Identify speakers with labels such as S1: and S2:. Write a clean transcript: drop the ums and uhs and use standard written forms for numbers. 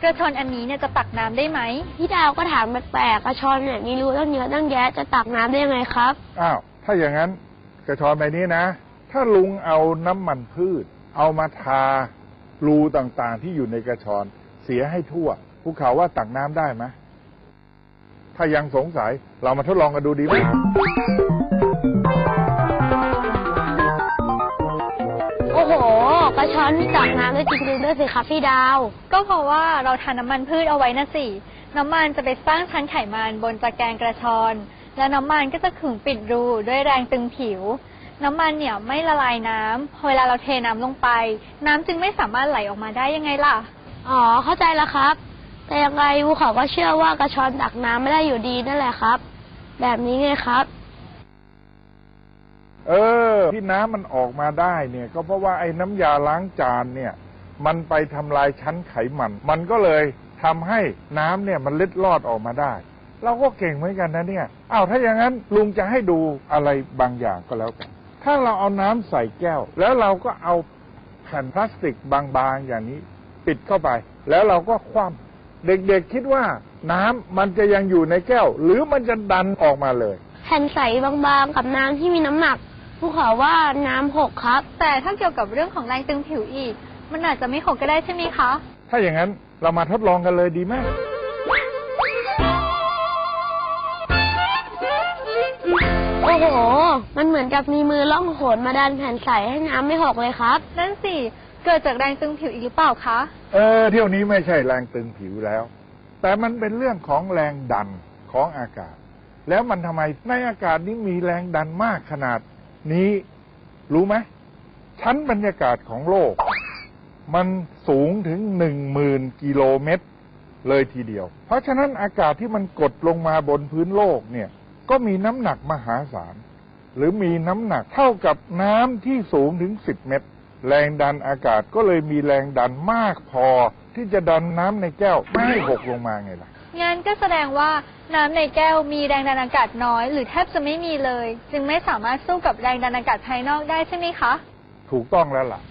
S1: ระชอนอันนี้เนี่ยจะตักน้ำได้ไหม
S2: พี่ดาวก็ถามแปลกๆกระชอนเนี่ยมีรูตั้งเยอะตั้งแยะจะตักน้ำได้ยังไงครับ
S3: อ้าวถ้าอย่างนั้นกระชอนใบนี้นะถ้าลุงเอาน้ำมันพืชเอามาทารูต่างๆที่อยู่ในกระชอนเสียให้ทั่วภูเขาว่าตักน้ำได้ไหมถ้ายังสงสัยเรามาทดลองกันดูดีไหม
S2: โอ้โหกระชอนมีตักน้ำได้จริงๆด้วยสิครับพี่ดาว
S1: ก็เพราะว่าเราทาน้ำมันพืชเอาไว้นะสิน้ำมันจะไปสร้างชั้นไขมันบนตะแกรงกระชอนและน้ำมันก็จะขึงปิดรูด้วยแรงตึงผิวน้ำมันเนี่ยไม่ละลายน้ำเวลาเราเทน้ำลงไปน้ำจึงไม่สามารถไหลออกมาได้ยังไงล่ะ
S2: อ๋อเข้าใจแล้วครับแต่ยังไงภูเขาก็เชื่อว่ากระชอนตักน้ำไม่ได้อยู่ดีนั่นแหละครับแบบนี้ไงครับ
S3: ที่น้ำมันออกมาได้เนี่ยก็เพราะว่าไอ้น้ำยาล้างจานเนี่ยมันไปทำลายชั้นไขมันมันก็เลยทำให้น้ำเนี่ยมันเล็ดลอดออกมาได้เราก็เก่งเหมือนกันนะเนี่ยถ้าอย่างนั้นลุงจะให้ดูอะไรบางอย่างก็แล้วกันถ้าเราเอาน้ำใส่แก้วแล้วเราก็เอาแผ่นพลาสติกบางๆอย่างนี้ปิดเข้าไปแล้วเราก็คว่ำเด็กๆคิดว่าน้ำมันจะยังอยู่ในแก้วหรือมันจะดันออกมาเลย
S2: แผ่นใสบางๆกับน้ำที่มีน้ำหนักภูเขาว่าน้ำหกครับ
S1: แต่ถ้าเกี่ยวกับเรื่องของแรงตึงผิวอีกมันอาจจะไม่หกก็ได้ใช่ไหมคะ
S3: ถ้าอย่างนั้นเรามาทดลองกันเลยดีไหม
S2: โอ้โหมันเหมือนกับมีมือล่องหนมาดันแผ่นใสให้น้ำไม่หกเลยครับ
S1: นั่นสิเกิดจากแรงตึงผิวอีกหรือเปล่าคะ
S3: เที่ยวนี้ไม่ใช่แรงตึงผิวแล้วแต่มันเป็นเรื่องของแรงดันของอากาศแล้วมันทำไมในอากาศนี้มีแรงดันมากขนาดนี้รู้ไหมชั้นบรรยากาศของโลกมันสูงถึง10,000 กิโลเมตรเลยทีเดียวเพราะฉะนั้นอากาศที่มันกดลงมาบนพื้นโลกเนี่ยก็มีน้ำหนักมหาศาลหรือมีน้ำหนักเท่ากับน้ำที่สูงถึง10 เมตรแรงดันอากาศก็เลยมีแรงดันมากพอที่จะดันน้ำในแก้วไม่ให้หกลงมาไงล่ะ
S1: งั้นก็แสดงว่าน้ำในแก้วมีแรงดันอากาศน้อยหรือแทบจะไม่มีเลยจึงไม่สามารถสู้กับแรงดันอากาศภายนอกได้ใช่ไหมคะ
S3: ถูกต้องแล้วล่ะ